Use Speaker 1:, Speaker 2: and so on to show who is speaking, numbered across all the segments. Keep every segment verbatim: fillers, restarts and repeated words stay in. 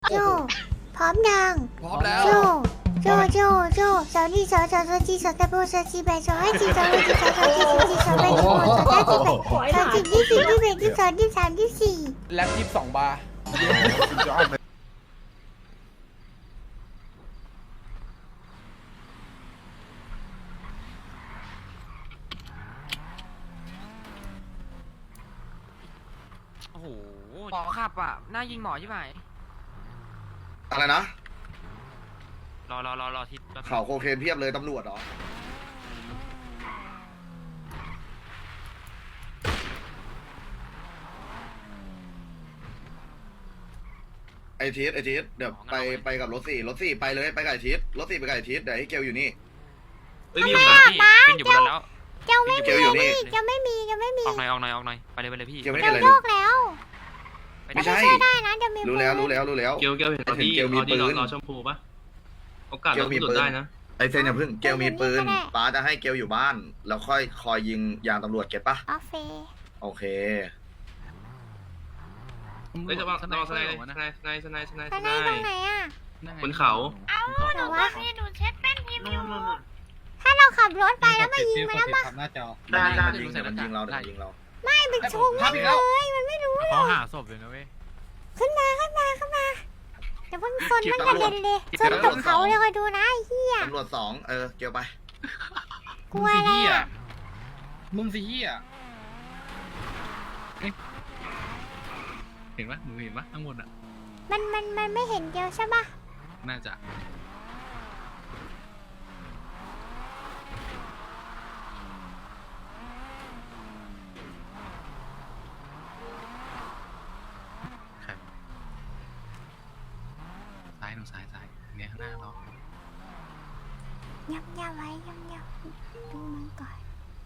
Speaker 1: โจพร้อมยัง
Speaker 2: พร้อมแล้ว
Speaker 1: โจโจโจโจสาวนี่สาวสาวสาวจีสาวตะโบสาวจีแบสาวไอจีสาวไอจีสาวสาวจีสาวจีสาวแบสาวสาวจีแบสาวจีที่สี่ที่แปดที่สองที่สามที่สี่
Speaker 2: แล็บยี่สิบสองบาร์
Speaker 3: โอ้โหหมอขับอ่ะหน้ายิงหมอใช่ไหม
Speaker 4: อะไรนะ
Speaker 3: รอรอรอรอทิศ
Speaker 4: ข่าวโคเคนเพียบเลยตำรวจเหรอไอทีสไอทีสเดี๋ยวไปไปกับรถสี่รถสี่ไปเลยไปกับไอทีสรถสี่ไปกับไอทีสเดี๋ยวให้เกลอยู่นี่
Speaker 3: เอ้ยมีอยู่แล้วพี่เป็นอยู่บนรถแล้ว
Speaker 1: เจ้าไม่
Speaker 4: เก
Speaker 1: มี
Speaker 4: ลอยู่นี่
Speaker 1: เจ้าไม่มีเจ้าไม่มี
Speaker 3: ออกหน่อยออกหน่อยออกหน่อยไปเลยไปเลยพี่
Speaker 4: เกลไม่
Speaker 1: เจ้า
Speaker 4: เป็นไร
Speaker 1: โย
Speaker 4: ลูก
Speaker 1: กแล้ว
Speaker 4: ไม่ใช่
Speaker 1: ช่วยได้นะเดี๋ยวมี
Speaker 4: รู้แล้วรู้แล้วรู้แล้ว
Speaker 5: เกลเกลเห็นตอนที่
Speaker 4: เกลมี
Speaker 5: ตอนที่
Speaker 4: ปื
Speaker 5: รอน รอชมพูปะโอกาส
Speaker 4: เกล
Speaker 5: เรา
Speaker 4: มี
Speaker 5: สุด
Speaker 4: ปืน
Speaker 5: ได้นะ
Speaker 4: ไอเซนอย่าพึ่งเกลมีปืนป้าจะให้เกลอยู่บ้าน แล้วค่อยคอยยิงยางตำรวจเก็ตปะ
Speaker 1: ออฟเฟ
Speaker 4: โอเค
Speaker 5: เฮ้ยจะวางรอสไนด์สไนด์สไนด์สไนด์สไนด์
Speaker 1: ข้า
Speaker 5: ส
Speaker 1: ง
Speaker 5: ไน
Speaker 1: ในตรง
Speaker 5: ด์
Speaker 1: ไหนอ่ะ
Speaker 5: บนเขา
Speaker 6: เอาหนูว่าพี่หนูเช็ดแป้นพิมพ์อยู่
Speaker 1: ถ้าเราขับรถไปแล้วมายิงมันแล้วมา
Speaker 2: หน้าจอ
Speaker 4: ได้ได้ยิงมันยิงเราเดี๋ยวมันยิงเรา
Speaker 1: ไม่เป็นชงมันเลยมันไม่รู้หร
Speaker 7: เขา
Speaker 1: อก
Speaker 7: หาศพอยู่นะเว้ย
Speaker 1: ขึ้นมาขึ้นมาขึ้นมาเดี๋ยวเพิ่งชนมันกระเด็นเลยชนตกเขาเลยคอยดูนะไอ้เหี้ย
Speaker 4: ตำรวจสองเออเกลไป
Speaker 1: กลัวอะไรอ่ะ
Speaker 2: มึงสิเฮีย
Speaker 7: เห็นปะหนูเห็นปะข้างบนอ่ะ
Speaker 1: มันมันมันไม่เห็นเดียวใช่ปะ
Speaker 7: น่าจะใครวะซ้ายหนูซ้ายซ้ายเนี่ยข้างหน้าเรา
Speaker 1: ยับยับไว้ยับยับดูมันก่อน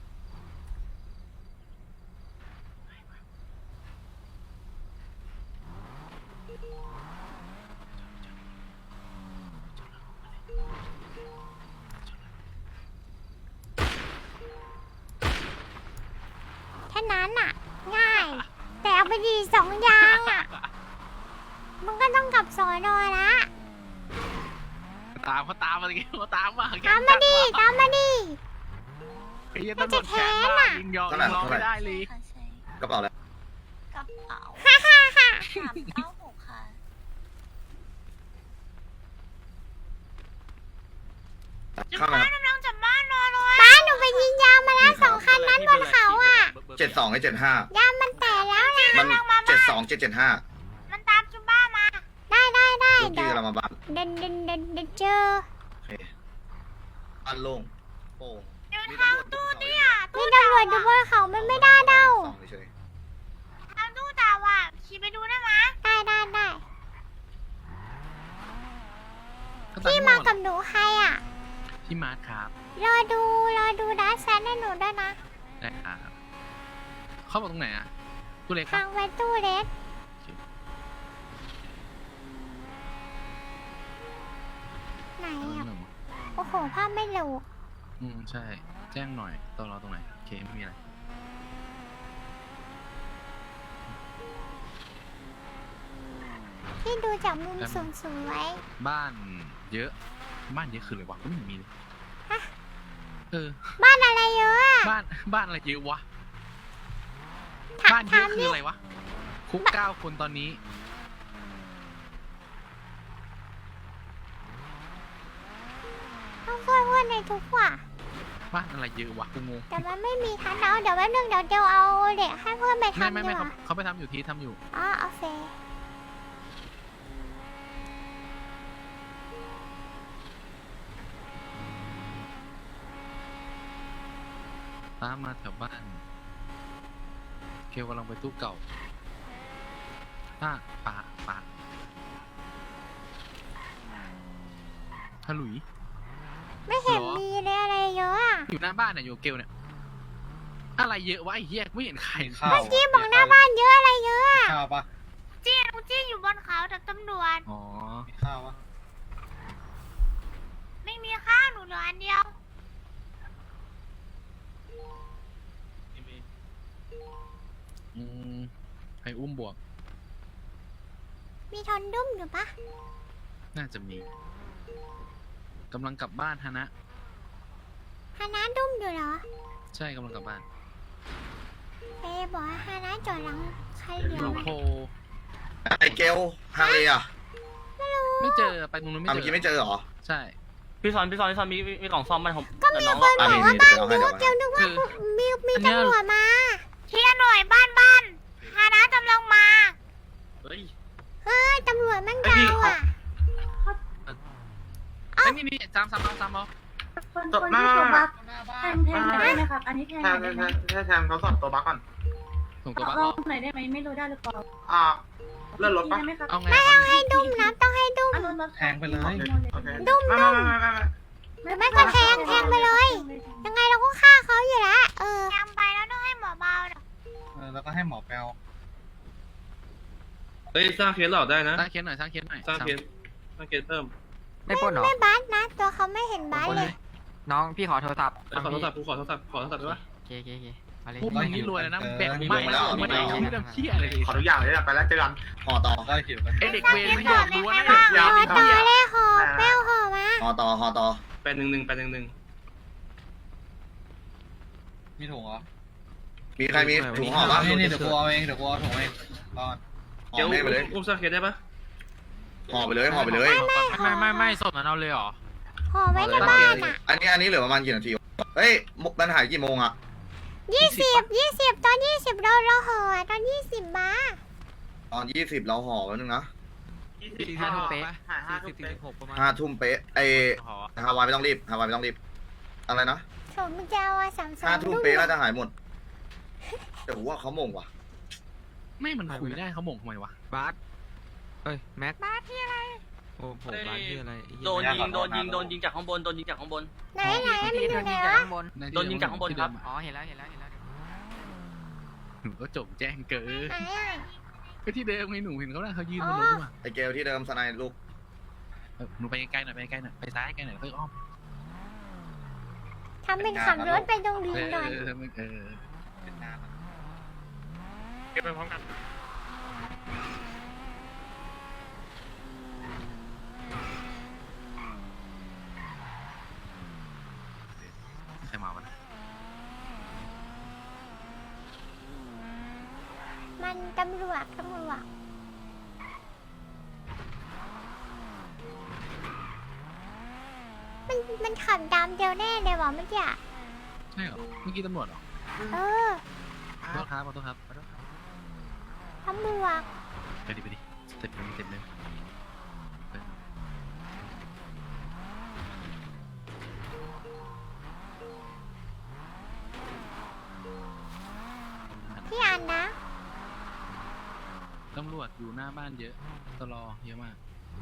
Speaker 1: แค่นั้นอ่ะ ง่าย แต่เอาไปดีสองอยางอ่ะ มันก็ต้องกลับสอนอละ
Speaker 7: ตามเขาตามมาเลยเขาตามมา
Speaker 1: ตามมาดิตามมาดิ
Speaker 7: ไอ้เหี้ยตำรวจแค้นมากยิงยอมยิงร้องไม่ได้เลย
Speaker 6: ค่ะใช่
Speaker 4: กระเป๋าแล้ว
Speaker 6: กระเป๋า
Speaker 1: ฮ่าฮ่าฮ่า
Speaker 6: สามเก้าหกค่ะ
Speaker 4: เข้ามา
Speaker 6: กำลังจะบ้านรอเลย
Speaker 1: ป้าหนูไปยิงยางมาแล้วสองคันนั้นบนเขาอ่ะ
Speaker 4: เจ็ดสองไอเจ็ดห้าย
Speaker 1: างมันแตกแล้วนะ
Speaker 4: มันเจ็ดสองเจ็ดเจ็ดห้า
Speaker 6: มันตามจุบ้ามา
Speaker 1: ได้ได้ได้
Speaker 4: ลูก
Speaker 1: เดี๋
Speaker 4: พี่
Speaker 1: ยว
Speaker 4: กำลังมาบ้าน
Speaker 1: เดินเดินเดินเดินเจอ
Speaker 4: โอเคบ้านโล่งโป่ง
Speaker 6: เดินทางตู้เนี่ย
Speaker 1: มีตำรวจอยู่บนเขามันไม่ได้เด้า
Speaker 4: สองเฉย
Speaker 6: ทางตู้ตาว่ะขี่ไปดูได้ไหม
Speaker 1: ได้ได้ได้พี่มากับหนูใครอ่ะ
Speaker 7: พี่มาร์คครับ
Speaker 1: รอดูรอดูดัสแซนให้หนูด้วยนะ
Speaker 7: ได้ครับเขาบอกตรงไหนอ่ะตู้เล็ก
Speaker 1: ทางไว้ตู้เล็กไหนอ่ะโอ้โหภาพไม่หลู
Speaker 7: อืมใช่ แจ้งหน่อยตอนเราตรงไหนโอเคไม่มีอะไร
Speaker 1: พี่ดูจากมุมสูงสูงไว้
Speaker 7: บ้านเยอะ บ้านเยอะคืออะไรวะก็ไม่เห็นมีเลย
Speaker 1: ฮะ
Speaker 7: เออ
Speaker 1: บ้านอะไรเยอะอ่ะ
Speaker 7: บ้านบ้านอะไรเยอะวะ
Speaker 1: ถาม
Speaker 7: บ้านเย
Speaker 1: ถา
Speaker 7: อะ
Speaker 1: ม
Speaker 7: คือ
Speaker 1: นี่
Speaker 7: อะไรวะ คุกเก้าคนตอนนี้
Speaker 1: ต้องช่วยเพื่อนในทุกว่ะ
Speaker 7: บ้านอะไรเยอะวะกูงง
Speaker 1: แต่มันไม่มีทันเอาเดี๋ยวแป๊บนึงเดี๋ยวเดี๋ยวเอาเด็กให้เพื่อนไป
Speaker 7: ไม่
Speaker 1: ทำ
Speaker 7: ไม่
Speaker 1: ดี
Speaker 7: ไม่
Speaker 1: ก
Speaker 7: เขา
Speaker 1: ว่า
Speaker 7: เขาไปทำอยู่ทีทำอยู่
Speaker 1: อ๋อโอเค
Speaker 7: ตามมาแถวบ้าน เกลกำลังไปตู้เก่าป้าป้าป้าฮัลโหล
Speaker 1: ไม่เห็น
Speaker 7: หรอ
Speaker 1: มีเลยอะไรเยอะอ่ะ
Speaker 7: อยู่หน้าบ้านเนี่ยอยู่เกลเนี่ย อะไรเยอะวะไอ้เหี้ยไม่เห็นใคร
Speaker 2: ข้าว
Speaker 1: เมื่อกี้บอกหน้าบ้านเยอะอะไรเยอะอะ
Speaker 2: ข้าวปะ
Speaker 6: จี้หนูจี้อยู่บนเขาแต่ตำรวจ
Speaker 7: อ๋อ
Speaker 2: มีข้าวปะ
Speaker 6: ไม่มีข้าวหนูเหลืออันเดียว
Speaker 7: อืมใครอุ้มบวก
Speaker 1: มีทอนดุ้มอยู่ปะ
Speaker 7: น่าจะมีกำลังกลับบ้านฮะนะ
Speaker 1: ฮานาดุ้มอยู่เหรอ
Speaker 7: ใช่กำลังกลับบ้าน
Speaker 1: เอ๊ะบอกว่าฮานาจอดหลังใครเหลียว
Speaker 7: โล
Speaker 1: ไหม
Speaker 7: โค
Speaker 4: ไอเกลฮาเลยอ่ะ
Speaker 7: ไม่เจอไปตรงนู้นไม่
Speaker 4: อ่ะ
Speaker 7: เจ
Speaker 4: เมื่อกี้
Speaker 7: อ
Speaker 4: ไม่เจอเหรอ
Speaker 7: ใช่
Speaker 8: พี่ซอนพี่ซอนพี่ซอนมีมีกล่องซ่อมบ้านผม
Speaker 1: ก็มีคนบอกว่าบ้านนู้นเกลนึกว่า
Speaker 7: คือ
Speaker 1: มีมี
Speaker 7: อันเนี้ย
Speaker 1: ตำรวจมา
Speaker 6: เทียหน่วยบ้านบ้านฮานะกำลังมา
Speaker 5: เฮ้ย
Speaker 1: เฮ้ยตำรวจแม่งดาวอ่ะ
Speaker 7: ไอ้ยนี่นี่สามสามเอาสามเอา
Speaker 9: คนคนที่ตัวบัก
Speaker 2: หน้าบ้า
Speaker 9: แท
Speaker 2: น
Speaker 9: งแทงได้ไหมครับ อันนี้แทง
Speaker 10: แท
Speaker 9: ได้
Speaker 10: น
Speaker 9: ไหม
Speaker 10: แทนแทนเขาสอบตัวบัคก่อน
Speaker 7: ส่งตัวบัค
Speaker 9: ล
Speaker 7: อ
Speaker 9: อ
Speaker 7: อง ก
Speaker 9: หน่อยได้ไหมไม่รู้ได้หรือเปล่า
Speaker 10: อ่าเลื่อนรถปะ
Speaker 9: ได้ไหมครับ
Speaker 7: เอาไง
Speaker 1: ไม่
Speaker 7: เอา
Speaker 1: ต้องให้ดุ้มนะต้องให้ดุ้ม
Speaker 9: อ่ะรถรถ
Speaker 2: แทงไปเลย
Speaker 10: โอเค
Speaker 1: ดุ้ม
Speaker 10: ไม่
Speaker 1: ดุ้
Speaker 10: ไม่
Speaker 1: ม
Speaker 10: ไม่ไม่ไม่
Speaker 1: หรือไม่ก็แทงแทงไปเลย ยังไงเราก็ฆ่าเขาอยู่แล้วเออ
Speaker 6: แทงไปแล้วต้องให้หมอเบาเดี๋ยว
Speaker 2: เออแล้วก็ให้หมอแปลว
Speaker 5: เฮ้ยสร้างเคสหลอกได้นะ
Speaker 7: สร้างเคสหน่อยสร้างเคสหน่อย
Speaker 5: สร้างเคสสร้างเคสเพิ่ม
Speaker 3: ไม่ปล้นเหรอ
Speaker 1: ไม่บัสนะ ตัวเขาไม่เห็นบัส
Speaker 7: คน
Speaker 1: เล
Speaker 7: เลย ย
Speaker 3: น้องพี่ขอโทรศัพท์
Speaker 5: เอ้ยขอโทรศัพท์กูขอโทรศัพท์ขอโทรศัพท์ได้ปะ
Speaker 3: โอเคโอเคโอเคไปเลย
Speaker 7: พวกมึงนี่รวยเลยนะแบกไม่แล้วไม่ได้ไม่ได้เชี่ยเลย
Speaker 10: ขอทุกอย่างเลยนะไปแล้วเจอกัน
Speaker 4: ห่อต่อ
Speaker 2: ก็หิวกัน
Speaker 7: ไอเด็กเวรไม่โดนรู้นะ
Speaker 1: ห่อต่อเลยห่อแป้วห่อมา
Speaker 4: ห่อต่อห่อต่อ
Speaker 5: แปดหนึ่งหนึ่งแปดหนึ่งหนึ่ง
Speaker 2: มีถุงเหรอ
Speaker 4: มีใครมีถุงห่อปะ
Speaker 2: นี่นี่เดี๋ยวกูเอาเองเดี๋ยวกูเอาถุงเองรอด
Speaker 4: ห่
Speaker 5: เดี๋
Speaker 4: อ
Speaker 5: ยว
Speaker 4: แม่งไปเลย
Speaker 5: อุ้มสร้างเคสได้ปะ
Speaker 4: ห่อไปเลยห่อไปเลย
Speaker 7: ไม่ไม่ไม่สดเหมือนเราเลยเหรอ
Speaker 1: ห่อไว้ในบ้านอ่ะ
Speaker 4: อันนี้อันนี้เหลือประมาณกี่นาทีวะเฮ้ยมุกมันหายกี่โมงอ่ะ
Speaker 1: ยี่สิบยี่สิบตอนยี่สิบเราเราห่อตอนยี่สิบมา
Speaker 4: ตอนยี่สิบเราห่อแป๊บนึงนะ
Speaker 3: สี่ห้าทุ่มเป๊ะ
Speaker 10: หายห้า
Speaker 3: สี่
Speaker 10: ทุ่ม
Speaker 3: สิบ
Speaker 10: เป๊ะ
Speaker 3: สี่สิบหกประมาณ
Speaker 4: ห้าทุ่มเป๊ะไอ
Speaker 3: หอ
Speaker 4: ฮาวายไม่ต้องรีบฮาวายไม่ต้องรีบอะไรนะ
Speaker 1: ผมจะเอาสามสอง
Speaker 4: ห้าทุ่มเป๊ะน่าจะหายหมดแต่ผมว่าเขาโมงว่ะ
Speaker 7: ไม่มันคุยได้เขาหม่งทำไมวะ
Speaker 3: บาสเอ้ยแม็ก
Speaker 6: บ้านที่อะไร
Speaker 3: โอ้โหบาสที่อะไร
Speaker 8: โดนยิงโดนยิงโดนยิงจากข้างบนโดนยิงจากข้างบน
Speaker 1: ไหนไหนมันอยู่ไหนวะ
Speaker 8: โดนยิงจากข้างบนครับ
Speaker 3: อ๋อเห็นแล้วเห็นแล้วเห็นแล้ว
Speaker 7: หนูก็จบแจ้งเกิน
Speaker 1: ไหนอ่ะ
Speaker 7: ก็ที่เดิมไงหนูเห็นเขาแล้วเขายืนบนรถด้วย
Speaker 4: ไอเกลที่เดิมสไนลูก
Speaker 7: เออหนูไปไกลๆหน่อยไปไกลๆหน่อยไปซ้ายไกลหน่อยค่อยอ้อม
Speaker 1: ทำเป็นขับรถไปตรงดิ
Speaker 7: เอน
Speaker 1: หน่อย
Speaker 7: อเออเออ
Speaker 2: เป็นนานอะ
Speaker 5: เก็บไปพร้อมกัน
Speaker 7: ใครมาวะนะ
Speaker 1: มันตำรวจตำรวจมันมันขับตามเดียวแน่เลยว่ะเมื่อกี้อะ
Speaker 7: ใช่เหรอเมื่อกี้ตำรวจเหรอ
Speaker 1: เออ
Speaker 7: ขอโทษครับขอโทษครับขอโทษครับ
Speaker 1: ตำรวจ
Speaker 7: ไปดิไปดิเต็มเลยเต็มเลยเออ
Speaker 1: พี่อันนะ
Speaker 7: ตำรวจอยู่หน้าบ้านเยอะตลอเยอะมาก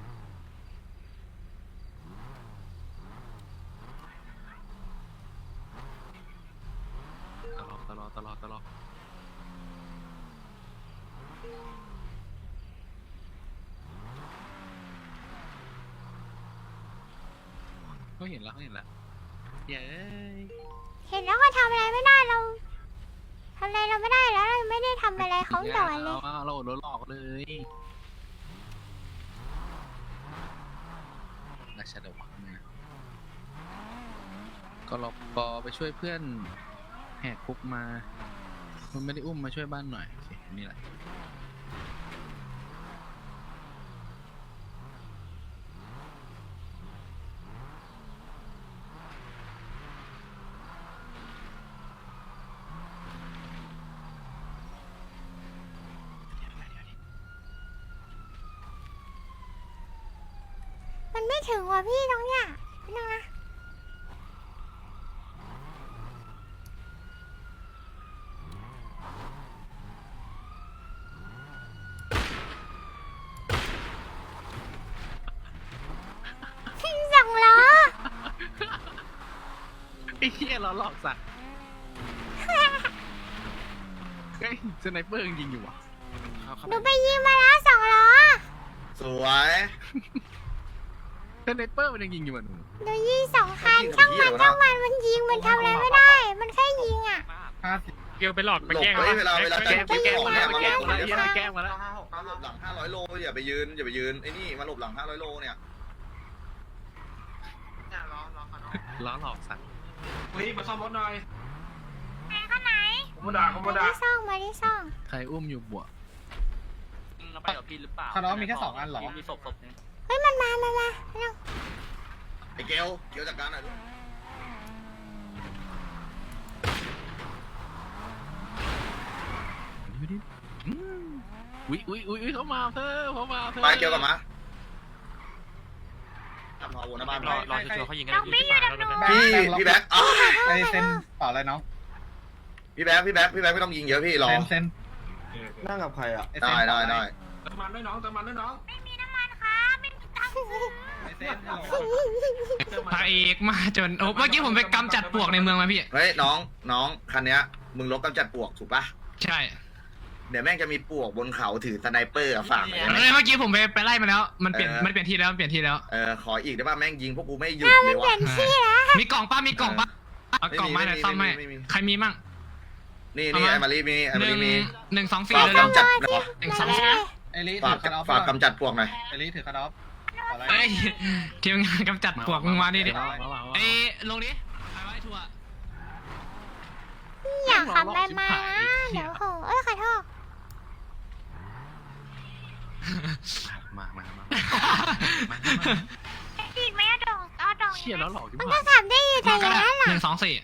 Speaker 7: ตลอตลอตลอตลอเขาเห็นแล้วเขาเห็นแล้วเย้ย
Speaker 1: เห็นแล้วก็ทำอะไรไม่ได้เราทำอะไรเราไม่ได้แล้วเราไม่ได้ทำอะไรเขาต่อเลย
Speaker 7: าเราโดนหลอกเลยราชาดวังนะก็รอปอไปช่วยเพื่อนแหกคุกมา มันไม่ได้อุ้มมาช่วยบ้านหน่อยโอเคนี่แหละ
Speaker 1: มันไม่ถึงว่ะพี่ตรงเนี้ยพี่น้องนะสองล้อ
Speaker 7: ไอ้เหี้ยเราหลอกสัตว์เฮ้ยสไนเปอร์ยังยิงอยู่วะ
Speaker 1: หนูไปยิงมาแล้วสองล้อ
Speaker 4: สวย
Speaker 7: สไนเปอร์มันยังยิงอยู่อ่ะหนู
Speaker 1: หนูยิงสองคันช่างมันช่างมันมันยิงมันทำอะไรไม่ได้ มันแค่ยิงอ่ะ
Speaker 2: ห้าสิบ
Speaker 5: เกี่ยวไปหลอก
Speaker 4: หลบเฮ้ยเวลาเวลา
Speaker 7: แก้
Speaker 4: จะ
Speaker 7: มแก้ม
Speaker 4: ของ
Speaker 7: มา
Speaker 4: เนี่
Speaker 7: แล้
Speaker 4: ยว มัน
Speaker 7: แก้มมาแล้ว
Speaker 4: เยอะ
Speaker 7: แก้มมาแล้ว
Speaker 10: เก้าห้าหกเก้า
Speaker 4: หลบหลังห้าร้อยโลอย่าไปยืนอย่าไปยืนไอ้นี่มาหลบหลังห้าร้อยโลเนี่ย
Speaker 10: เนี่ยรอรอเขาเนาะ
Speaker 7: ล้อหลอกสัตว์
Speaker 5: เฮ้ยมาซ่อมรถหน่อย
Speaker 6: ไหนข้างไหน
Speaker 5: ผมมาด่าผม
Speaker 1: มา
Speaker 5: มาด่า
Speaker 1: ที่ซ่องมาที่ซ่อง
Speaker 7: ใครอุ้มอยู่บวก
Speaker 8: เราไปกับพี่หรือเปล่า
Speaker 2: คาร์ดอฟมีแค่สองอันเหรอ
Speaker 8: มีศพศพนึง
Speaker 1: เฮ้ยมันมามามาเร็ว
Speaker 4: ไอ้เกลเกลจัดการหน่อยลูก
Speaker 7: ดูดิอืมอุ้ยอุ้ยอุ้ยอุ๊ยเขามาเพิ่มเขามาเพิ่ม
Speaker 4: ไปเกลกลับมาทำพอวนหน้าบ้าน
Speaker 3: ร
Speaker 4: ไป
Speaker 3: อรอชัวร์เขายิงกัน
Speaker 6: น้องบี้อยู่ดับหนู
Speaker 4: พี่พี่แบ็คอ้าว
Speaker 2: ไอเซนเปล่าอะไรน้อง
Speaker 4: พี่แบ็คพี่แบ็คพี่แบ็คไม่ต้องยิงเยอะพี่รอ
Speaker 2: เซนเซน
Speaker 10: นั่งกับใครอ่ะ
Speaker 2: ไอเซ
Speaker 4: ได้
Speaker 2: น
Speaker 4: ได้ได้
Speaker 5: เติมมันด้วยน้องเติมมันด้วยน้อง
Speaker 6: ไม่มีน้ำมันครับไม่มีตังค์ซื้อ
Speaker 2: ไอเซนฮัลโหล
Speaker 3: พระเอกมาจนโอ้เมื่อกี้ผมไปกำจัดปลวกในเมืองมาพี่
Speaker 4: เฮ้ยน้องน้องคันเนี้ยมึงลบกำจัดปลวกถูกปะ
Speaker 3: ใช่
Speaker 4: เดี๋ยวแม่งจะมีปลวกบนเขาถือสไนเปอร์อะฝากหน่อยได้ไหม
Speaker 3: เมื่อกี้ผมไปไปไล่มาแล้ว มันเปลี่ยน
Speaker 4: เออ
Speaker 3: มันเปลี่ยนที่แล้วมันเปลี่ยนที่แล้ว
Speaker 4: เออขออีกได้ป่ะแม่งยิงพวกกูไม่หยุด
Speaker 1: ๆ
Speaker 4: เล
Speaker 1: มัน
Speaker 4: ย
Speaker 1: เปลี่
Speaker 4: วะ
Speaker 1: ยนที่แล้ว
Speaker 3: มีกล่องป้ามีกล่องป้าเอากล่องมาหน่อยซ่อมให้
Speaker 4: ไม่มีไม่มี
Speaker 3: ใครมีมั่ง
Speaker 4: นี่นี่
Speaker 3: เอามา
Speaker 4: ไอ้มารีมีไอ้
Speaker 3: ห
Speaker 4: มา
Speaker 3: นึ่
Speaker 4: รี
Speaker 3: ง
Speaker 4: มี
Speaker 3: หนึ่งสองสี่
Speaker 4: ฝาก
Speaker 3: เลยแล้ว
Speaker 4: กำจัดหน่อย
Speaker 3: หนึ่งสอง
Speaker 1: มา
Speaker 3: สี่
Speaker 1: เลย
Speaker 2: ไอลี
Speaker 4: ฝา
Speaker 2: ถื
Speaker 4: ก
Speaker 2: อคาร์ดอฟ
Speaker 4: ฝากกำจัดปลวกหน่อย
Speaker 2: ไอลีถือคาร์ดอฟอะไร
Speaker 3: เอ้ยทีมงานกำจัดปลวกมึงมาดิดิ
Speaker 7: มามามามา
Speaker 3: เอ้ยลงดิไปไว้ทัวร์
Speaker 1: อยากขับไปมานะเดี๋ยวโหเอ้ยขอโทษ
Speaker 7: มามามา
Speaker 6: อีกไหมอะดองเอาดอง
Speaker 7: เชี่ยแล้วหลอกที่
Speaker 1: มัน
Speaker 7: ผ่า
Speaker 1: ก็
Speaker 7: น
Speaker 1: ขับได้อยู่แต่
Speaker 3: มา
Speaker 1: อ
Speaker 3: ก็
Speaker 1: ย่าง
Speaker 3: ได้
Speaker 1: นั้น
Speaker 3: ห
Speaker 1: ล่ะ
Speaker 3: นึ่งสองสี่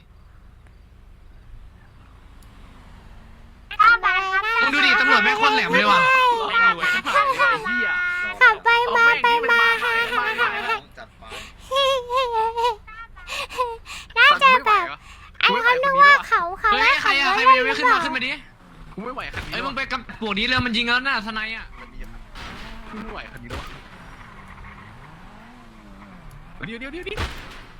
Speaker 6: เอาไปครับ
Speaker 3: มึงดูดิตำรวจแม่งโคตรแหลมเลยว่ะ
Speaker 7: ไม่รวยที่ผ่านเลยไอ้เหี้ย
Speaker 1: ขับไปมาไปมาฮ่าฮ่าฮ่าฮ่า
Speaker 4: จัดไป
Speaker 1: น่าจะแบบไอ้เขานึกว่าเขาเขา
Speaker 3: เฮ้
Speaker 1: ว่าย
Speaker 3: ใคร
Speaker 1: ขับ
Speaker 3: อะ
Speaker 1: รถ
Speaker 3: ใคร
Speaker 1: เล่นห
Speaker 3: ไม่
Speaker 1: รือ
Speaker 3: ขึ้น
Speaker 1: เป
Speaker 3: มา
Speaker 1: ล่า
Speaker 3: ขึ้นมาดิ
Speaker 7: กูไม่ไหวคันนี้
Speaker 3: เอ้ย
Speaker 7: แล้ว
Speaker 3: มึงไปกับปวกนี้เรือมันยิงแล้วน่ะทนายอ่ะ
Speaker 7: กูไม่ไหวคันนี้แล้วเดี๋ยวเดี๋ยวเดี๋ยวเดี๋ยว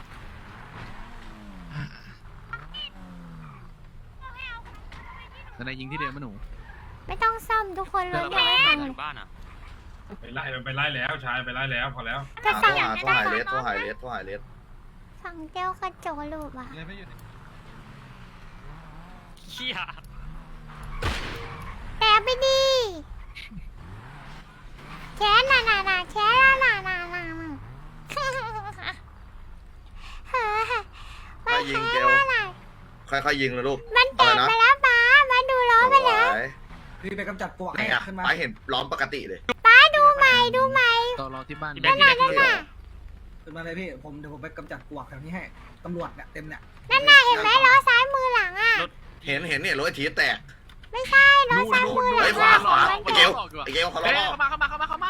Speaker 7: ทนายยิงที่เดิมมาหนู
Speaker 1: ไม่ต้องซ่อมทุกคนรถเดียวกัน
Speaker 8: บ้านอ่ะ
Speaker 5: ไปไล่ไปไล่แล้วชายไปไล่แล้วพอแล้ว
Speaker 1: จะ
Speaker 4: โทร
Speaker 1: สั่ง
Speaker 4: หาโทรหาเลสโทรหาเลสโทรหาเลส
Speaker 1: สั่งเจียวกระจกลูกอ่ะ
Speaker 2: เลยไม่อยู่ใน
Speaker 8: เชี่ย
Speaker 1: แต่ไปดีแค่น่ะน่ะน่ะแค่น่ะน่ะน่ะน่ะน่ะเฮ้ย
Speaker 4: ถ้ายิงเกล
Speaker 1: ว่าน่ะ
Speaker 4: ค่อยๆยิงเลยลูก
Speaker 1: มันแตกไปแล้วป้ามาดูล้อไปแล้ว
Speaker 10: พี่ไปกำจัดปลวก
Speaker 4: ไหนอะไปเห็นล้อมปกติเลย
Speaker 1: ป้าดูใหม่ดูใหม่
Speaker 7: ตอนรอที่บ้าน
Speaker 1: นั่นน่ะนั่นน่ะ
Speaker 10: ขึ้นมาเลยพี่ผมเดี๋ยวผมไปกำจัดปลวกแถวนี้ให้ตำรวจเนี่ยเต็มเนี่ย
Speaker 1: นั่นน่ะเห็นไหมล้อซ้ายมือหลังอ่ะ
Speaker 4: เห็นเห็นเนี่ยรถไอ้ทีแตก
Speaker 1: ไม่ใช่ล้อซ้ายมือห
Speaker 4: ไอ้
Speaker 1: ลัง
Speaker 4: ขวาขวา
Speaker 1: มัน
Speaker 4: ไอ้
Speaker 1: แต
Speaker 4: เกล
Speaker 1: ก
Speaker 4: ไอ้เกลเขาล้
Speaker 7: เฮ้
Speaker 4: อย
Speaker 7: เข้ามาเข้ามาเข้ามาเข้ามา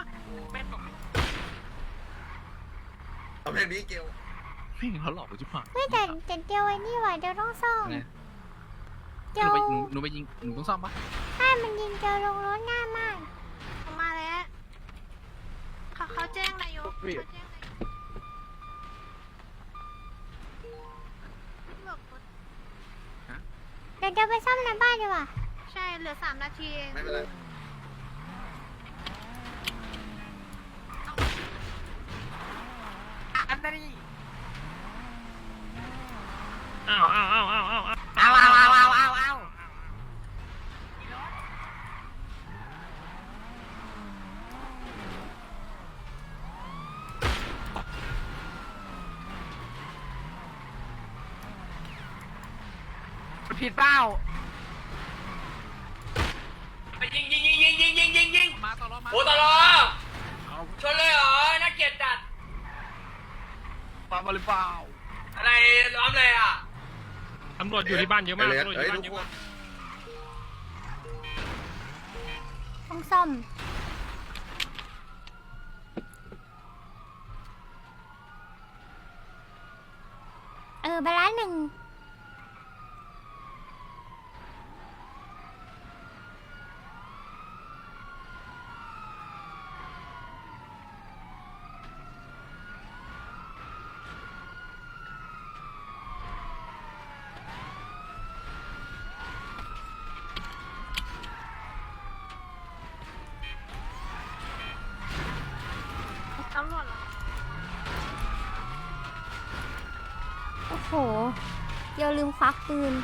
Speaker 4: เอาเพลงนี้เกล
Speaker 7: ไม่เห็นเขาหลอกกูที่ผ่าน
Speaker 1: เฮ้ยแต่แต่เดียวไอ้นี่ว่ะเดียวต้องซ่อม
Speaker 7: ไง
Speaker 1: เดี
Speaker 7: ห
Speaker 1: ยว
Speaker 7: นูไปหนูไปยิงหนูต้องซ่อมปะ
Speaker 1: ถ้ามันยิงเดียวลงรถง่ายมาก
Speaker 6: มาแล้วเขาเขาแจ้งนายกเขาแจ้งนายก
Speaker 1: เดี๋ยวเดี๋ยวไปซ่อมในบ้านดีกว่า
Speaker 6: ใช่เหลือสามนาทีเอง
Speaker 4: ไม่เป็นไร
Speaker 3: อ้าวอ้าวอ้าวอ้าวอ้าว
Speaker 8: เอาเอาเอาเอาเอาเอา
Speaker 3: ผิดเปล่า
Speaker 8: ยิงยิงยิงยิงยิงยิงยิงยิง
Speaker 7: มาตลอดมา
Speaker 8: โอ้ตลอชนเลยเหรอน่าเกลียดจัด
Speaker 7: ปามาหรือเปล่า
Speaker 8: อะไรล้อมเลยอ่ะ
Speaker 5: ตำรวจอยู่ที่บ้านเยอะมาก
Speaker 4: เลส
Speaker 5: ตำรวจอ
Speaker 4: เฮ้ย
Speaker 5: ยู่บ้าน
Speaker 4: ทุก
Speaker 5: เยอะ
Speaker 4: ค
Speaker 5: มาน ก
Speaker 1: ต้องซ่อม เออไปร้านหนึ่ง
Speaker 6: ตำรวจเหรอ
Speaker 1: โอ้โหเดี๋ยวลืมควักปืน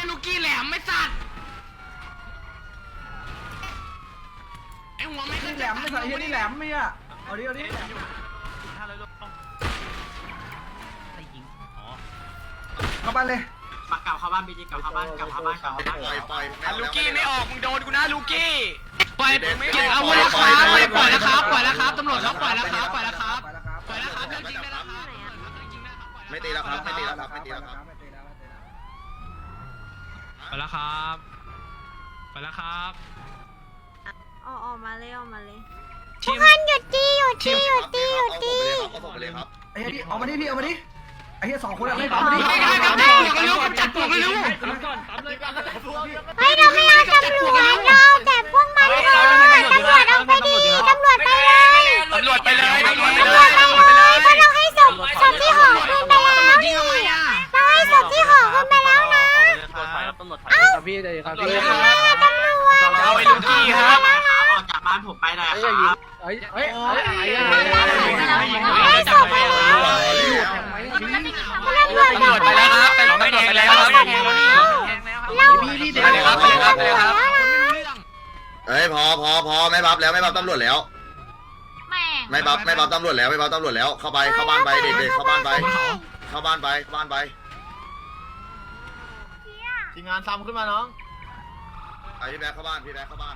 Speaker 3: ยลูกกี้แหลมไม่สัตว์ไอ้หัวไม่
Speaker 10: นี่แหลมไม่ใส่เฮียนี่แหลมไม่อะเอาดิเอาดิเข้าบ้านเลย
Speaker 8: ปักเก่าเข้าบ้านบีจีเก่าเข้าบ้านเก่าเข้าบ้านเก่าเข้าบ้าน
Speaker 4: ปล่อยปล่อย
Speaker 3: ลูกกี้ไม่ออกมึงโดนกูนะลูกกี้ปล่อย
Speaker 4: เด็ก
Speaker 3: เก็บอาวุธแล้วครับปล่อยแล้วครับปล่อยแล้วครับตำรวจครับปล่อยแล้วครับปล่อยแล้วครับ
Speaker 10: ไปแล้วครับ
Speaker 3: ปล่อยแล้วครับเรื่องจริงได้แล้วครับ
Speaker 4: ไม่ตีแล้วครับไม่ตีแล้วครับไม่ตีแล้วครับ
Speaker 10: ไม่ตีแล้วไม่ตีแล้ว
Speaker 5: ไปแล้วครับไปแล้วครับ
Speaker 6: ออกออกมาเลยออกมาเลย
Speaker 1: ทุกคนหยุดตีหยุดตีหยุดตีหยุดตี
Speaker 4: เอาผมไปเลยครับ
Speaker 10: ไอ้เฮียพี่เอามาดิพี่เอามาดิไอ้เฮียสองคนอะไม่เอามาดิ
Speaker 3: ไม่ได้ครับจับปวกเร็วจับปวกเร็ว
Speaker 1: เฮ้ยเราไม่เอาตำรวจเราแต่พวกมันก่อนตำรวจเอาไปดีตำรวจไปเลย
Speaker 3: ตำรวจไปเลยตำรวจ
Speaker 1: ตำรวจไปเลยเพราะเราให้ศพศพที่ห่อคืนไปแล้วนี่เราให้ศพที่ห่อคืนไปแล้วนะเอ้า
Speaker 7: พี่เลยครับ
Speaker 1: ตำรวจตำรวจ
Speaker 3: เอาไอ้ลูกกี้ครับ
Speaker 8: ออกจากบ้านผมไปหน่อยครับ
Speaker 7: เอ้ยเอ้ยเอ้ย
Speaker 1: ให้ศพไปแล้ว
Speaker 3: ตำรวจไปแล้วครับตำรวจไปแล้วครับแทงแล้วนี่
Speaker 1: เรา
Speaker 3: พี่พี่เดี๋ยวครับไปครับไปครับ
Speaker 4: เฮ้ยพอพอพอไม่บับแล้วไม่บับตำรวจแล้ว
Speaker 6: แม่ง
Speaker 4: ไม่บับไม่บับตำรวจแล้วไม่บับตำรวจแล้วเข้าไปเข้าบ้านไปเด็กๆเข้าบ้านไปเข้าบ้านไปเข้าบ้านไป
Speaker 8: ทีมงานซ้ำขึ้นมาน้อง
Speaker 4: ไปพี่แบ๊กเข้าบ้านพี่แบ๊กเข้าบ้าน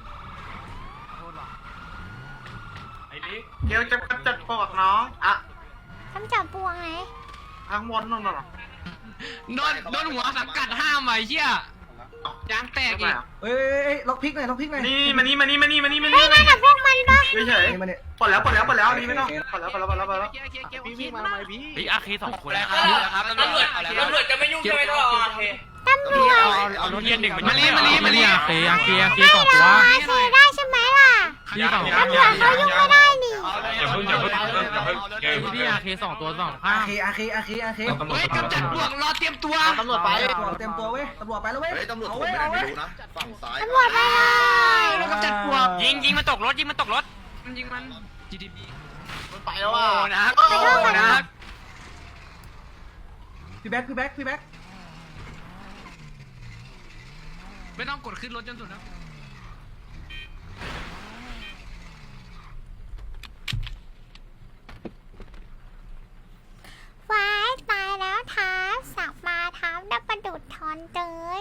Speaker 5: ไอ้ลิก
Speaker 8: เดี๋ยวจะจัดปอกน้องอ่ะ
Speaker 1: ทำจับปวงไง
Speaker 8: ทางวนนั่นน่ะ
Speaker 3: โดนโดนหัวสังกัดห้ามไว้เชี่ยยางแตกอีก
Speaker 10: เฮ้ยล็อกพิกหน่อยล็อกพิกหน่อย
Speaker 8: นี่มานี่มานี่มานี่มานี่มา
Speaker 1: เฮ้
Speaker 8: นี่
Speaker 1: ยนั่นกับพวกมันปะ
Speaker 8: เฉย
Speaker 10: นี่มาเนี่ย
Speaker 8: ๆปลดแล้วปลดแล้วปลดแล้วนี่ไม่ต้องปลดแล้วปลดแล้วปลดแล้วปลดแล้ว
Speaker 3: พี่วิ่งมาทำไมพี่
Speaker 7: พี่อาคีสองคน
Speaker 3: แล้ว
Speaker 7: นะครับ
Speaker 3: ตำรวจตำรวจ
Speaker 8: จะไม่ยุ่งใช่ไหมท่อโอเค
Speaker 1: ตำรวจ
Speaker 7: เอารถเทียนหนึ่ง
Speaker 3: มาลีมาลีมาลี
Speaker 7: อาคีอาคีอาคี
Speaker 1: ให้
Speaker 7: สอง
Speaker 1: เรา
Speaker 7: ตัว
Speaker 1: อาเซได้ใช่ไหมล่ะ
Speaker 7: พี่สอง
Speaker 1: ตำรวจเขายุ่งไม่ได้นี่
Speaker 5: อย่าเพิ่งอย่าเพิ่งอย่าเพิ่งเกม
Speaker 7: พี่อาคีสองตัวสอง
Speaker 10: อา
Speaker 7: ข้าง
Speaker 10: เคอาเคอาเคอาเค
Speaker 3: เฮ้ยกำจัดพวกรอเตรียมตัว
Speaker 8: ตำรวจไป
Speaker 10: ตำรวจเต็มตัวเว้ยตำรวจไปแล้วเว้ย
Speaker 4: เฮ้ยตำรวจ
Speaker 10: เอา
Speaker 4: ผม
Speaker 10: เว้ย
Speaker 4: ไม่
Speaker 10: เอา
Speaker 4: ได้
Speaker 10: เว้ย
Speaker 4: ดูนะฝั่งซ้าย
Speaker 1: ตำรวจไปเลย
Speaker 3: แล้วกำจัดพวกยิงยิงมันตกรถยิงมันตกรถยิงมัน
Speaker 7: จีดีบี
Speaker 8: มันไปแล้วอ่ะ
Speaker 3: โอ้นะโอ้นะ
Speaker 10: พี่แบ็คพี่แบ็คพี่แบ็ค
Speaker 3: ไม่ต้องกดขึ้นรถจนสุดนะ
Speaker 1: ว้ายตายแล้วท้าสักมาท้าดับประดุดทอนเตย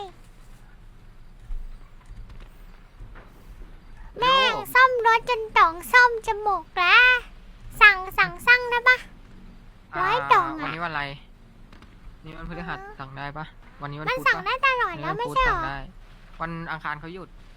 Speaker 1: แม่งซ่อมรถจนต่องซ่อมจมูกแล้วสั่งสั่งสั่งได้ปะร้อยต่อง
Speaker 3: วัน
Speaker 1: อ่ะ
Speaker 3: นี้วันอะไรนี่วันพฤหัสสั่งได้ปะวันนี้วัน
Speaker 1: มัน
Speaker 3: พุธ
Speaker 1: สั่ง
Speaker 3: ปะ
Speaker 1: ได้ตลอดแล้วไม่ใช่หรอ
Speaker 3: วันอังคารเขาหยุด